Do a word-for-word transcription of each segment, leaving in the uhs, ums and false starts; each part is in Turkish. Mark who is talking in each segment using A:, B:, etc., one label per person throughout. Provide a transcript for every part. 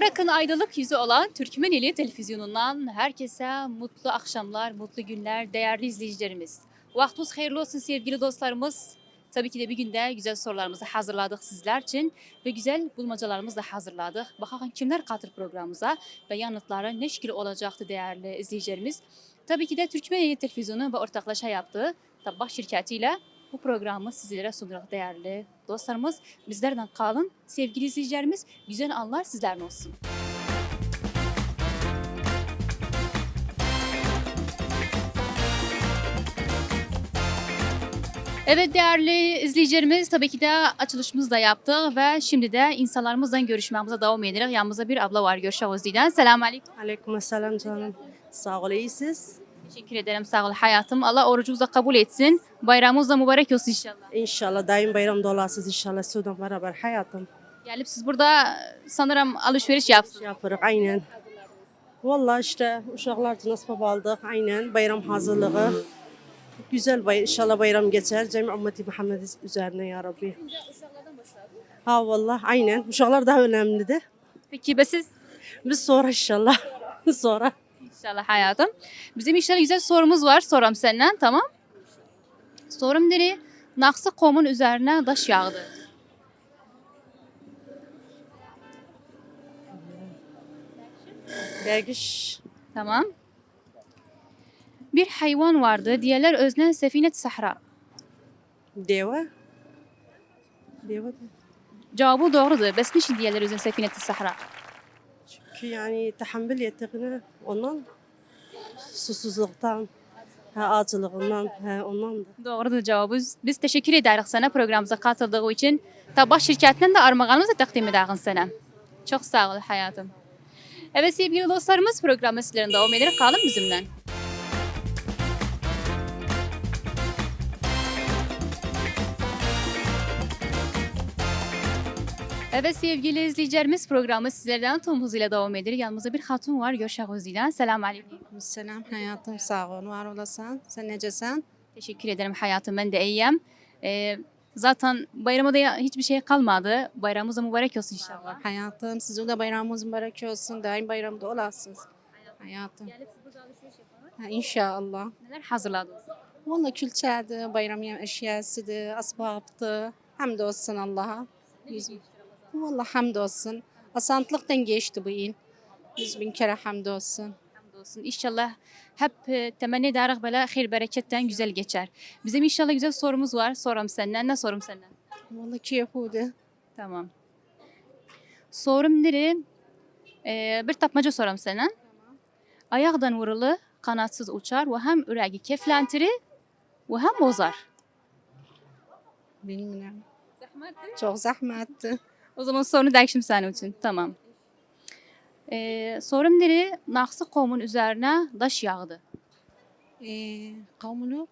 A: Mubarak'ın aydınlık yüzü olan Türkmeneli Televizyonu'ndan herkese mutlu akşamlar, mutlu günler değerli izleyicilerimiz. Vaktiniz hayırlı olsun sevgili dostlarımız. Tabii ki de bir günde güzel sorularımızı hazırladık sizler için ve güzel bulmacalarımızı da hazırladık. Bakalım kimler katır programımıza ve yanıtları ne şekilde olacaktı değerli izleyicilerimiz. Tabii ki de Türkmeneli Televizyonu ve ortaklaşa yaptığı Tabak şirketiyle bu programı sizlere sunuyoruz değerli dostlarımız. Bizlerden kalın sevgili izleyicilerimiz. Güzel anlar sizlerden olsun. Evet değerli izleyicilerimiz tabii ki de açılışımızı da yaptık ve şimdi de insanlarımızla görüşmemize devam edelim. Yanımızda bir abla var görüşürüz diyden. Selamun aleyküm.
B: Aleykümselam canım. Sağ ol, iyisiniz.
A: Teşekkür ederim sağ ol hayatım. Allah orucunuzu da kabul etsin. Bayramınız da mübarek olsun inşallah.
B: İnşallah daim bayramda olasınız inşallah. Sudan beraber hayatım.
A: Gelip siz burada sanırım alışveriş yaptınız.
B: Yaparız aynen. Vallahi işte uşaklar için nasip aldık aynen. Bayram hazırlığı. Güzel bay inşallah bayram geçer. Cemi ümmeti Muhammed üzerine ya Rabbi. Ha vallahi aynen. Uşaklar daha önemliydi.
A: Peki be siz?
B: Biz sonra inşallah. sonra.
A: İnşallah hayatım. Bizim inşallah güzel sorumuz var. Soram senden tamam. Sorum deri Naksı Kom'un üzerine taş yağdı.
B: Dergiş.
A: Tamam. Bir hayvan vardı. Diğerler öznen Sefinet Sahra.
B: Deva. Deva.
A: Cevabı doğrudur. Bes niçin diğerler öznen Sefinet Sahra?
B: Çünkü yani tahammül yeteneği ondan susuzluktan, ha, acılığından, ha, ondan da.
A: Doğrudur cevabı. Biz teşekkür ederiz sana programımıza katıldığı için. Tabak şirketinden de armağanımızı takdim ederiz sana. Çok sağ ol hayatım. Evet sevgili dostlarımız programı sizlerin devam ederek kalın bizimle. Evet sevgili izleyicilerimiz programı sizlerden tüm hızıyla devam ediyor. Yanımızda bir hatun var. Görüşürüz ile. Selamun aleyküm.
C: Selam hayatım sağ ol var olasın. Sen necesen?
A: Teşekkür ederim hayatım. Ben de iyiyim. Ee, zaten bayramda da hiçbir şey kalmadı. Bayramımız da mübarek olsun inşallah.
C: Hayatım sizin de bayramınız mübarek olsun. Daim bayramda olasınız. Hayatım. Ha, İnşallah.
A: Neler hazırladınız?
C: Valla külçədir, bayram yem eşyasıdır, asbabdır. Hamdolsun Allah'a. Yüz- Valla hamdolsun. Asantlıktan geçti bu yıl. Yüz bin kere hamdolsun.
A: Hamdolsun. İnşallah hep e, temenni ederiz böyle hayır bereketten güzel geçer. Bizim inşallah güzel sorumuz var. Sorum senden. Ne sorum senden?
C: Valla keyifli.
A: Tamam. Sorum nere? Ee, bir tapmaca sorum senden. Ayaktan vurulu, kanatsız uçar ve hem ürəyi keflentiri ve hem bozar.
C: Bilmiyorum. Çok zahmetli.
A: O zaman sorunu değişim senin için. Tamam. Ee, sorum nere? Naksı Kom'un üzerine daş yağdı.
C: Ee, kavmuluk.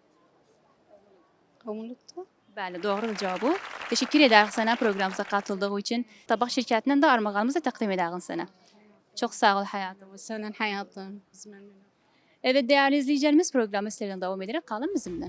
C: Kavmuluktu.
A: Bəli, doğrudur cavabı. Teşekkür ederiz sana programımıza katıldığı için. Tabak şirketinden de armağanımızı takdim ederiz sana. Çok sağ ol hayatım.
C: Senin hayatın. Biz memnunum.
A: Evet değerli izleyicilerimiz programı sizlerden devam ederek kalın bizimle.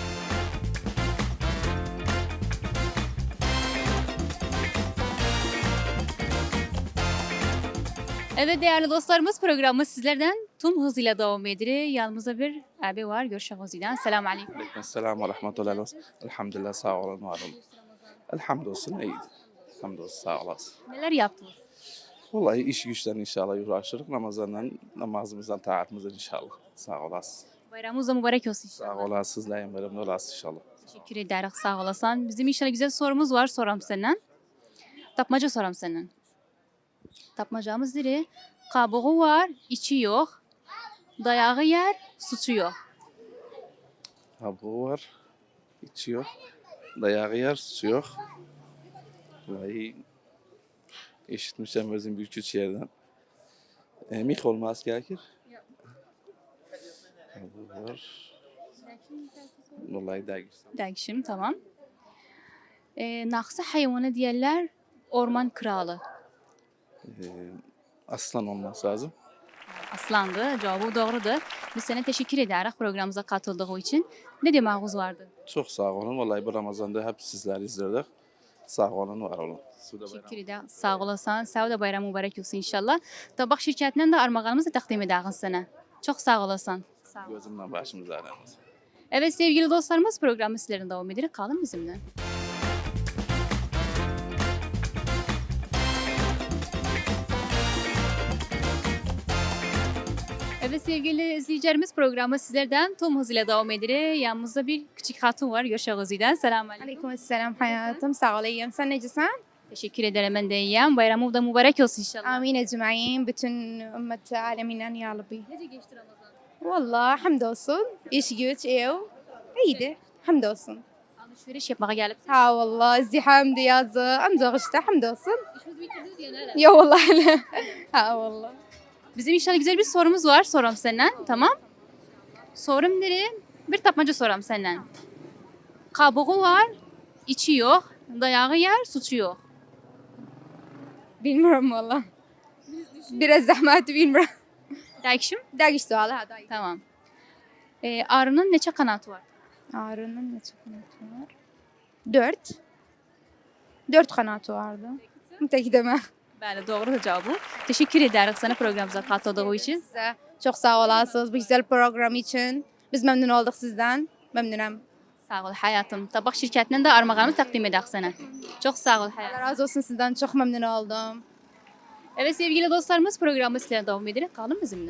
A: Evet değerli dostlarımız programı sizlerden tüm hızıyla devam ediyor. Yanımızda bir abi var. Görüşürüz ile. Selamun aleyküm.
D: Aleykümselam ve rahmetullahi ve elhamdülillah sağ olun var olun. Elhamdolsun iyiydi. Elhamdolsun sağ olasın.
A: Neler yaptınız?
D: Vallahi iş güçten inşallah uğraşırız. Namazlarla, namazımızdan, taatımızdan inşallah. Sağ olasın.
A: Bayramınız da mübarek olsun
D: Sağ
A: inşallah.
D: olasın. Daim bayramda olasın inşallah.
A: Teşekkür ederiz sağ olasın. Bizim inşallah güzel sorumuz var. Soram senden. Tapmaca soram senden. Tapmacamız diri. Kabuğu var, içi yok. Dayağı yer, suçu yok.
D: Kabuğu var, içi yok. Dayağı yer, su yok. Vallahi eşitmişim özüm bir küçük yerden. E, mik olmaz gerekir. Kabuğu var. Vallahi değil.
A: Değişim tamam. Ee, naksı hayvanı diyorlar orman kralı.
D: E, aslan olması lazım.
A: Aslandı. Cevabı doğrudur. Biz sana teşekkür ederiz programımıza katıldığı için. Ne demağınız vardı?
D: Çok sağ olun. Vallahi bu Ramazan'da hep sizleri izledik. Sağ olun, var olun. Suda bayram.
A: Teşekkür ederim. Sağ olasın. Sağ ol da bayram mübarek olsun inşallah. Tabak şirketinden de armağanımızı takdim ederiz sana. Çok sağ olasın. Sağ ol.
D: Gözümden başımız aramız.
A: Evet sevgili dostlarımız programı sizlerin devam ederek kalın bizimle. Evet sevgili izleyicilerimiz programı sizlerden tüm hızıyla devam ederek. Yanımızda bir küçük hatun var. Görüşürüz Özü'den. Selamun aleyküm.
E: Aleyküm selam hayatım. Sağ ol iyiyim. Sen necesin?
A: Teşekkür ederim ben de iyiyim. Bayramı da mübarek olsun inşallah.
E: Amin ecmaîn. Bütün ümmet aleminen ya Rabbi.
A: Nece geçti Ramazan?
E: Vallahi hamdolsun. İş güç ev. İyiydi. Hamdolsun.
A: Alışveriş yapmaya gelip.
E: Ha vallahi izdiham yazı. Ancak işte hamdolsun.
A: İşimizi bitirdiniz ya neler?
E: Ya vallahi. Ha vallahi.
A: Bizim inşallah güzel bir sorumuz var. Soram senden. Tamam. Sorum nere? Bir tapmaca soram senden. Kabuğu var, içi yok. Dayağı yer, suçu yok.
E: Bilmiyorum vallahi. Biraz zahmet bilmiyorum.
A: Değişim?
E: Dergiş sualı hadi.
A: Tamam. Ee, arının neçe kanatı var?
E: Ağrının ne kanatı var? Dört. Dört kanatı vardı. Tek deme.
A: Bəli, doğru cevabı. Teşekkür ederiz sana programımıza katıldığı için.
E: Size çok sağ olasınız bu güzel program için. Biz memnun olduk sizden. Memnunum.
A: Sağ ol hayatım. Tabak şirketinden de armağanımı takdim ederiz sana. Çok sağ ol
E: Allah
A: hayatım.
E: razı olsun sizden. Çok memnun oldum.
A: Evet sevgili dostlarımız programı sizlere devam ederek kalın bizimle.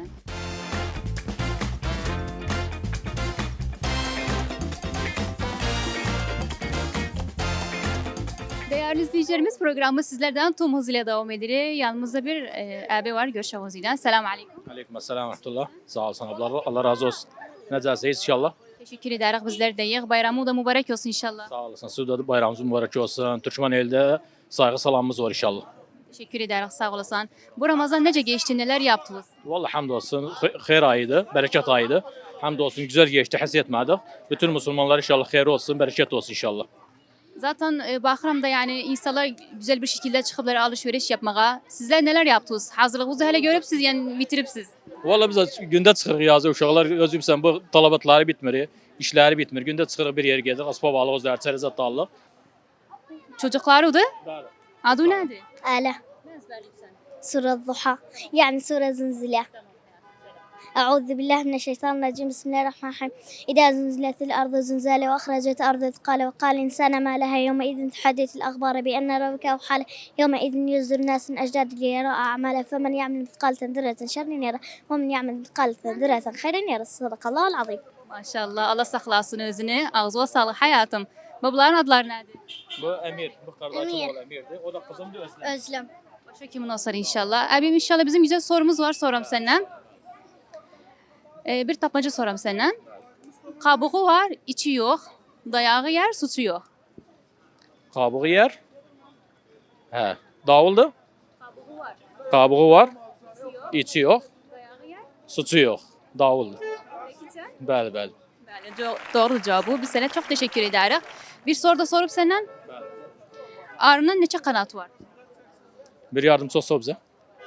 A: Değerli izleyicilerimiz programı sizlerden tüm hızıyla devam ederek. Yanımızda bir e, abi var. Görüşürüz Özü'den. Selamun aleyküm.
F: Aleyküm selam rahmetullah. Sağ olasın abla. Allah razı olsun. Necəsiniz inşallah?
A: Teşekkür ederiz bizler de yiyik. Bayramı da mübarek olsun inşallah.
F: Sağ olasın. Siz de bayramınız mübarek olsun. Türkmen elde saygı salamımız var inşallah.
A: Teşekkür ederiz sağ olasın. Bu Ramazan nece geçti, neler yaptınız?
F: Vallahi hamdolsun. Xeyir ayıydı, bereket ayıydı. Hamdolsun güzel geçti, həs etmədik. Bütün Müslümanlar inşallah xeyir olsun, bereket olsun inşallah.
A: Zaten e, Bahram'da yani insanlar güzel bir şekilde çıkıplar alışveriş yapmaya. Sizler neler yaptınız? Hazırlığınızı hele görüp siz yani bitirip siz.
F: Vallahi biz gündə çıxırıq yazı uşaqlar özümsən bu talabatları bitmir, işləri bitmir. Gündə çıxırıq bir yerə gedirik, asbab alıq, özləri çərəzət alıq.
A: Çocukları da
F: Bəli.
A: adı nedir?
G: آلة سورة الضحى يعني سورة زلزلة أعوذ بالله من الشيطان الرجيم بسم الله الرحمن الرحيم إذا زلزلت الأرض زلزالها وأخرجت الأرض أثقالها وقال الإنسان ما لها يومئذ تحدث الأخبار بأن ربك أوحى لها يومئذ يصدر الناس من أجداد ليرى أعمالها فمن يعمل مثقال ذرة شر يره ومن يعمل مثقال ذرة خير يره صدق الله العظيم.
A: Maşallah Allah saklasın özünü. Ağzına sağlık hayatım. Babaların adları nedir?
F: Bu Əmir, bu qardaşım
G: Əmir.
F: oğlu Əmirdir. O da qızımdır Özlem.
G: Özlem.
A: Başka kimin olsa inşallah. Abim inşallah bizim güzel sorumuz var soram senden. Ee, bir tapmaca soram senden. Kabuğu var, içi yok. Dayağı yer, suçu yok.
F: Qabuğu yer. Hə, davuldur.
A: Kabuğu var.
F: Qabuğu var, içi yox,
A: Dayağı yer.
F: suçu yox. Davuldur.
A: Peki sen?
F: Bəli, bəli.
A: Yani co- doğru cevabı. Biz sana çok teşekkür ederiz. Bir soru da sorup senden. Arının neçe kanatı var?
F: Bir yardımcı olsa bizə.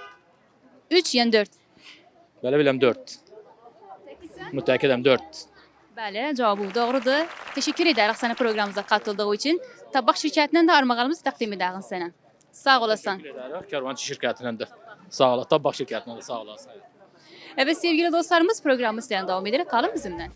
A: Üç yani dört.
F: Belə biləm dörd. Mütəkkidəm dörd.
A: Bəli, cevabı doğrudur. Teşekkür ederiz sana programımıza katıldığı için. Tabak şirketinden de armağanımızı takdim ederiz sana. Sağ olasın.
F: Təşəkkür edərək Karvançı şirkətindən də. Sağ ol, Tabaq şirkətindən də sağ olasın.
A: Evet sevgili dostlarımız programı sizden devam ederek kalın bizimle.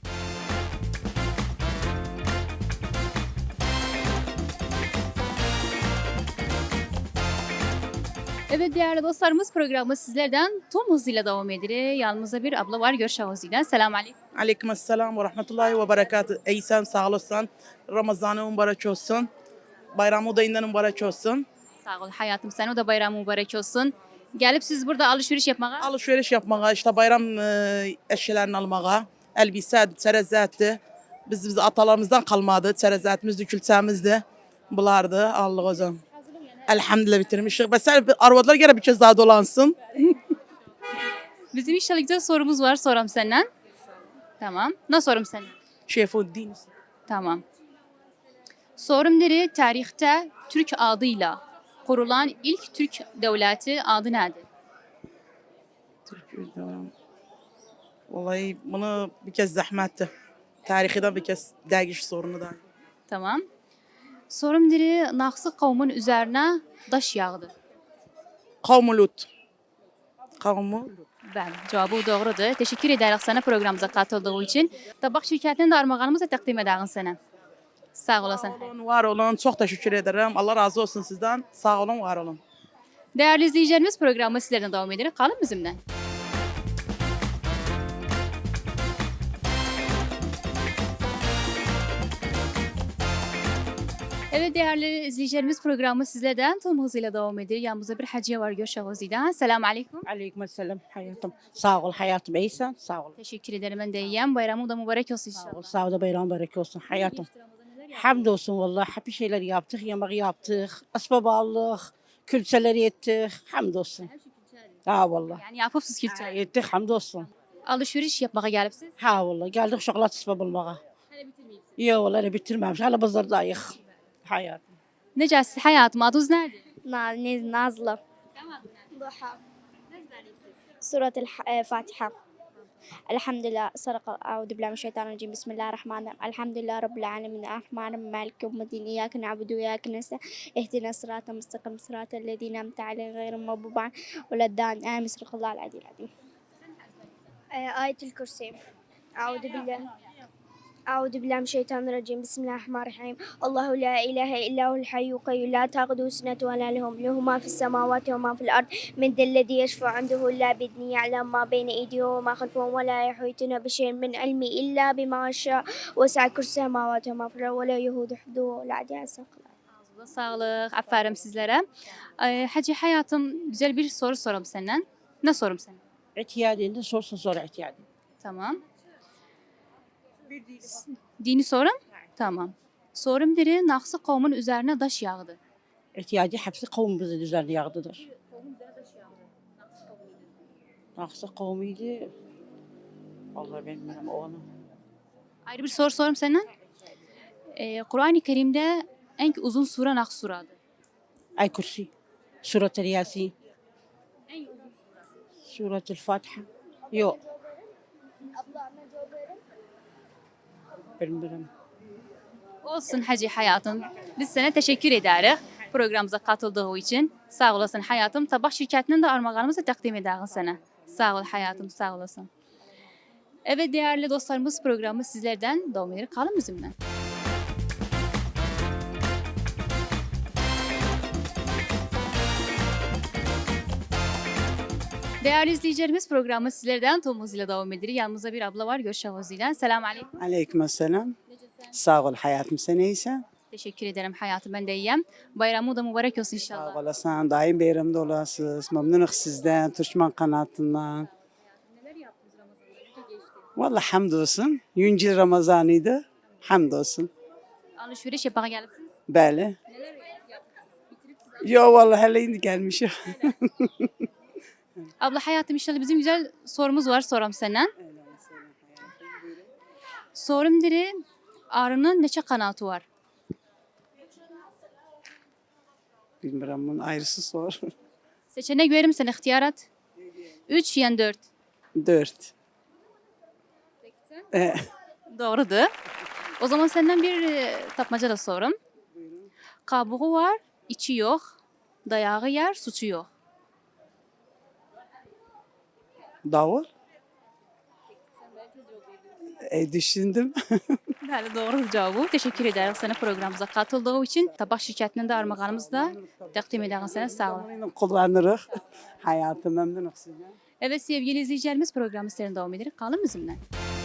A: Evet değerli dostlarımız programı sizlerden tüm hızıyla devam ederek. Yanımızda bir abla var Görüşürüz Özü'den. Selamun aleyküm.
H: Aleyküm selam ve rahmetullahi ve berekatü. Ey sen sağ olasın. Ramazanı mübarek olsun. Bayramı da inden mübarek olsun.
A: Sağ ol hayatım sen o da bayram mübarek olsun. Gelip siz burada alışveriş yapmaya.
H: Alışveriş yapmaya, işte bayram e, eşyalarını almaya, elbise, çerezatı. Biz, biz atalarımızdan kalmadı. Çerezatımızdı, külçemizdi. Bulardı. Allah o zaman. Elhamdülillah bitirmişik. Mesela arvadlar gene bir kez daha dolansın.
A: Bizim inşallah güzel sorumuz var soram senden. Tamam. Ne sorum senden?
H: Şefuddin.
A: Tamam. Sorum nere tarihte Türk adıyla kurulan ilk Türk devleti adı nedir?
H: Vallahi bunu bir kez zahmetti. Tarihiden bir kez dergiş sorunu da.
A: Tamam. Sorum diri Naxçı qavmun üzerine daş yağdı.
H: Kavmu Lut. Kavmu Lut.
A: Bəli, cavabı doğrudur. Teşekkür ederiz sana programımıza katıldığı için. Tabak şirkətinin də armağanımızı təqdim edəğin sənə. Sağ olasın.
H: Sağ olun, var olun. Çok teşekkür ederim. Allah razı olsun sizden. Sağ olun, var olun.
A: Değerli izleyicilerimiz programı sizlerden devam ederek kalın bizimle. Evet değerli izleyicilerimiz programı sizlerden tüm hızıyla devam ediyor. Yanımızda bir hacıya var Gökşah Ozi'den. Selamun aleyküm.
I: Aleyküm selam hayatım. Sağ ol hayatım iyisen. Sağ ol.
A: Teşekkür ederim ben de iyiyim. Bayramı da mübarek olsun
I: Sağ ol.
A: inşallah.
I: Sağ ol da bayram mübarek olsun hayatım. Hamdolsun vallahi hep bir şeyler yaptık. Yemek yaptık. Asbab aldık. Külçeler yettik. Hamdolsun. Ha vallahi.
A: Yani yapıpsız
I: Ha,
A: külçe.
I: yettik hamdolsun.
A: Alışveriş yapmaya gelipsiz.
I: Ha vallahi geldik şokolat asbab almaya. Yok vallahi bitirmemiş. Hala pazardayız. Hayatım.
A: Necəsi hayatım adınız nerede?
G: نازلة ضحى سورة الفاتحة الحمد لله صدق أعوذ بالله من الشيطان الرجيم بسم الله الرحمن الرحيم الحمد لله رب العالمين الرحمن الرحيم مالك يوم الدين إياك نعبد وإياك نستعين اهدنا الصراط المستقيم صراط الذين أنعمت عليهم غير المغضوب عليهم ولا الضالين آمين صدق الله العلي العظيم آية الكرسي أعوذ بالله أعوذ بالله من الشيطان الرجيم بسم الله الرحمن الرحيم الله لا إله إلا هو الحي القيوم لا تأخذه سنة ولا نوم له ما في السماوات وما في الأرض من ذا الذي يشفع عنده إلا بإذنه يعلم ما بين أيديهم وما خلفهم ولا يحيطون بشيء من علمه إلا بما شاء وسع كرسي السماوات وما في الأرض ولا يهود حفظه ولا عدي
A: Ağzınıza sağlık. Aferin sizlere. Ee, Hacı hayatım güzel bir soru sorum senden. Ne sorum sana?
I: İhtiyacında sorsun sonra ihtiyacı.
A: Tamam. Dini sorum? Tamam. Sorum diri Naxçı qavmun üzerine daş yağdı.
I: İhtiyacı hepsi kavmimizin üzerine yağdıdır. Naksı kavmiydi. Vallahi ben bilmem onu.
A: Ayrı bir soru sorum senden. Ee, Kur'an-ı Kerim'de en uzun sure Naxçı suradır.
I: Ay kursi. Surat-ı Yasin. Surat-ı Fatiha. Yok. Bilmiyorum.
A: Olsun Hacı hayatım. Biz sana teşekkür ederiz programımıza katıldığı için. Sağ olasın hayatım. Tabak şirketinin de armağanımızı takdim ederiz sana. Sağ ol hayatım, sağ olasın. Evet değerli dostlarımız programı sizlerden devam eder. Kalın bizimle. Değerli izleyicilerimiz programı sizlerden tüm hızıyla devam ediyor. Yanımızda bir abla var Gökşah Ozi'den. Selamun aleyküm.
J: Aleyküm selam. Sağ ol hayatım, sen iyisin.
A: Teşekkür ederim hayatım ben de iyiyim. Bayramı da mübarek olsun inşallah.
J: Sağ olasın, daim bayramda olasınız. Memnunum sizden, Türkmen kanatından.
A: Neler yaptınız Ramazan'da? Geçti.
J: Vallahi hamdolsun. Yüncil Ramazanıydı. Hamdolsun.
A: Alışveriş yapmaya gelipsiniz.
J: Böyle.
A: Neler yaptınız? Bitirip siz
J: Yo vallahi hele indi gelmişim.
A: Abla hayatım inşallah bizim güzel sorumuz var soram senden. Sorum diri arının neçe kanatı var?
J: Bilmiyorum bunun ayrısı sor.
A: Seçenek verim sana ihtiyarat. Üç yani dört.
J: Dört. Ee,
A: Doğrudur. O zaman senden bir e, tapmaca da sorum. Kabuğu var, içi yok. Dayağı yer, suçu yok.
J: davul. E, düşündüm.
A: Bəli, doğru cavabı. Teşekkür ederiz sana programımıza katıldığı için. Tabak şirketinin de armağanımızı da takdim ederiz sana. Sağ olun.
J: Kullanırız. Hayatım memnunum sizden.
A: Evet sevgili izleyicilerimiz programı sizlerin devam ederek kalın bizimle.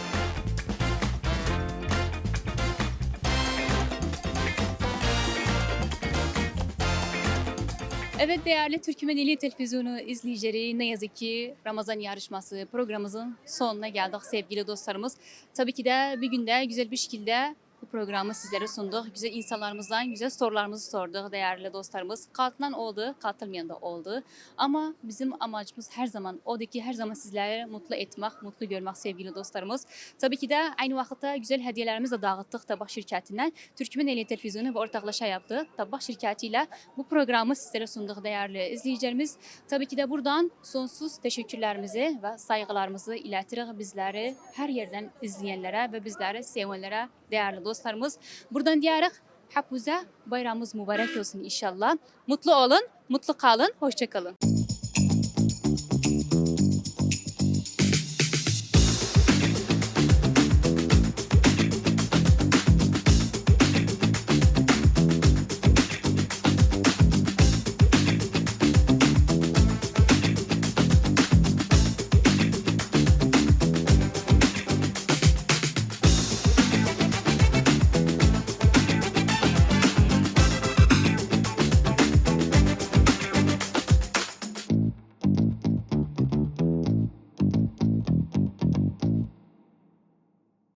A: Evet değerli Türkmeneli Televizyonu izleyicileri, ne yazık ki Ramazan yarışması programımızın sonuna geldik sevgili dostlarımız. Tabii ki de bir günde güzel bir şekilde bu programı sizlere sunduk. Güzel insanlarımızdan güzel sorularımızı sorduk değerli dostlarımız. Katılan oldu, katılmayan da oldu. Ama bizim amacımız her zaman odur ki her zaman sizleri mutlu etmek, mutlu görmek sevgili dostlarımız. Tabii ki de aynı vakitte güzel hediyelerimizi de dağıttık Tabak şirketinden. Türkmeneli Televizyonu ve ortaklaşa yaptı. Tabak şirketiyle bu programı sizlere sunduk değerli izleyicilerimiz. Tabii ki de buradan sonsuz teşekkürlerimizi ve saygılarımızı iletirik bizleri her yerden izleyenlere ve bizleri sevenlere değerli dostlarımız. Buradan diyerek Hapuza bayramımız mübarek olsun inşallah. Mutlu olun, mutlu kalın, hoşça kalın.